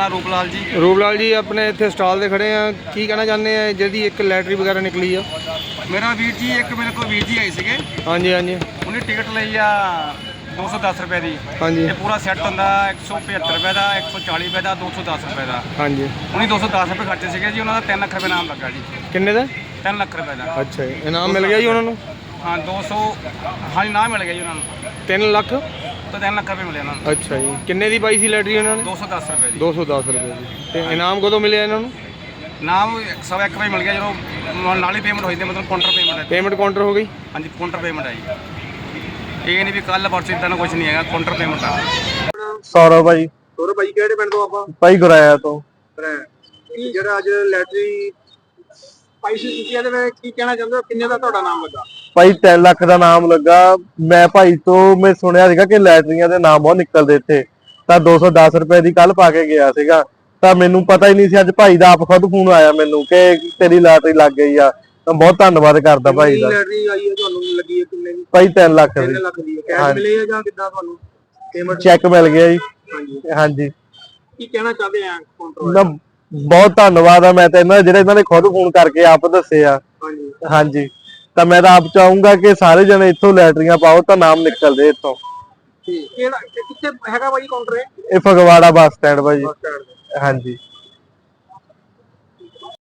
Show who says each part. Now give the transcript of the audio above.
Speaker 1: नाम रूपलाल जी।
Speaker 2: रूपलाल जी अपने इतने स्टॉल से खड़े हैं, की कहना चाहते हैं जी एक लैटरी वगैरह निकली है?
Speaker 1: मेरा वीर जी एक मेरे को वीर जी आए थे।
Speaker 2: हाँ जी हाँ जी।
Speaker 1: उन्हें टिकट ली आ 210 रुपए की।
Speaker 2: हाँ जी।
Speaker 1: ये पूरा सैट होंगे 175 रुपए का, 140 रुपए का, 210 रुपए का।
Speaker 2: हाँ जी।
Speaker 1: उन्हें 210 रुपए खर्चे थे जी। उन्होंने 3 लाख रुपए नाम लगा जी।
Speaker 2: किन्ने का?
Speaker 1: 3 लाख रुपए का।
Speaker 2: अच्छा जी, इनाम मिल गया जी उन्होंने?
Speaker 1: हाँ 200। हाँ जी, नाम मिल गया जी उन्होंने।
Speaker 2: 3 लाख?
Speaker 1: तो 3 लाख रुपए मिले उन्होंने।
Speaker 2: अच्छा जी, किन्ने दी पाई सी लैटरी उन्होंने?
Speaker 1: 210 रुपए की।
Speaker 2: 210 रुपए की। ते इनाम कदों मिले इन्होंने?
Speaker 1: नाम 101 रुपए मिल गया जो नाली पेमेंट हुई थी, मतलब काउंटर पेमेंट है।
Speaker 2: पेमेंट काउंटर हो गई?
Speaker 1: हाँ जी, काउंटर पेमेंट है जी। ये नहीं भी कल परसों इतना कुछ नहीं है, काउंटर पेमेंट है।
Speaker 3: सौरभ भाई।
Speaker 4: सौरभ भाई ਕਿਹੜੇ ਪਿੰਡ ਤੋਂ ਆਪਾਂ?
Speaker 3: ਭਾਈ ਗੁਰਾਇਆ ਤੋਂ।
Speaker 4: ਜਿਹੜਾ ਅੱਜ ਲੈਟਰੀ ਪਾਈ ਸੀ ਤੁਸੀਂ, ਇਹਦੇ ਵਿੱਚ ਕੀ ਕਹਿਣਾ ਚਾਹੁੰਦੇ ਹੋ? ਕਿੰਨੇ ਦਾ ਤੁਹਾਡਾ ਨਾਮ ਲੱਗਾ?
Speaker 3: ਭਾਈ 3 ਲੱਖ ਦਾ ਨਾਮ ਲੱਗਾ। ਮੈਂ ਭਾਈ ਤੋਂ ਮੈਂ ਸੁਣਿਆ ਸੀਗਾ ਕਿ ਲੈਟਰੀਆਂ ਦੇ ਨਾਮ ਬਹੁਤ ਨਿਕਲਦੇ ਇੱਥੇ, ਤਾਂ 210 ਰੁਪਏ ਦੀ ਕੱਲ ਪਾ ਕੇ ਗਿਆ ਸੀਗਾ। ਤਾਂ ਮੈਨੂੰ ਪਤਾ ਹੀ ਨਹੀਂ ਸੀ, ਅੱਜ ਭਾਈ ਦਾ ਆਪ ਖੁਦ ਫੋਨ ਆਇਆ ਮੈਨੂੰ ਕਿ ਤੇਰੀ ਲੈਟਰੀ ਲੱਗ ਗਈ ਆ। ਤਾਂ ਬਹੁਤ ਧੰਨਵਾਦ ਕਰਦਾ ਭਾਈ ਦਾ।
Speaker 4: ਲੈਟਰੀ ਆਈ ਹੈ ਤੁਹਾਨੂੰ ਲੱਗੀ ਹੈ ਕਿੰਨੇ ਦੀ?
Speaker 3: ਭਾਈ 3 ਲੱਖ
Speaker 4: 3
Speaker 3: ਦੀ।
Speaker 4: ਲੱਖ ਦੀ ਕੈਸ਼ ਮਿਲੇ ਆ ਜਾਂ ਕਿੱਦਾਂ ਤੁਹਾਨੂੰ ਪੇਮੈਂਟ?
Speaker 3: ਚੈੱਕ ਮਿਲ ਗਿਆ ਜੀ।
Speaker 4: ਹਾਂਜੀ।
Speaker 3: ਹਾਂਜੀ।
Speaker 4: ਕੀ ਕਹਿਣਾ ਚਾਹਦੇ ਆ ਕਾਊਂਟਰ?
Speaker 3: ਨਾ ਬਹੁਤ ਧੰਨਵਾਦ ਆ ਮੈਂ ਤਾਂ ਇਹਨਾਂ ਨੇ ਖੁਦ ਫੋਨ ਕਰਕੇ ਆਪ ਦੱਸੇ ਆ।
Speaker 4: ਹਾਂਜੀ
Speaker 3: ਹਾਂਜੀ। ਤਾਂ ਮੈਂ ਤਾਂ ਆਪ ਚਾਹੂੰਗਾ ਕਿ ਸਾਰੇ ਜਣੇ ਇੱਥੋਂ ਲੈਟਰੀਆਂ ਪਾਓ ਤਾਂ ਨਾਮ ਨਿਕਲਦੇ ਇੱਥੋਂ।
Speaker 4: ਠੀਕ। ਕਿਹੜਾ ਕਿੱਥੇ ਹੈਗਾ ਭਾਈ ਕਾਊਂਟਰ?
Speaker 3: ਇਹ ਫਗਵਾੜਾ ਬੱਸ ਸਟੈਂਡ ਭਾਜੀ। ਹਾਂਜੀ।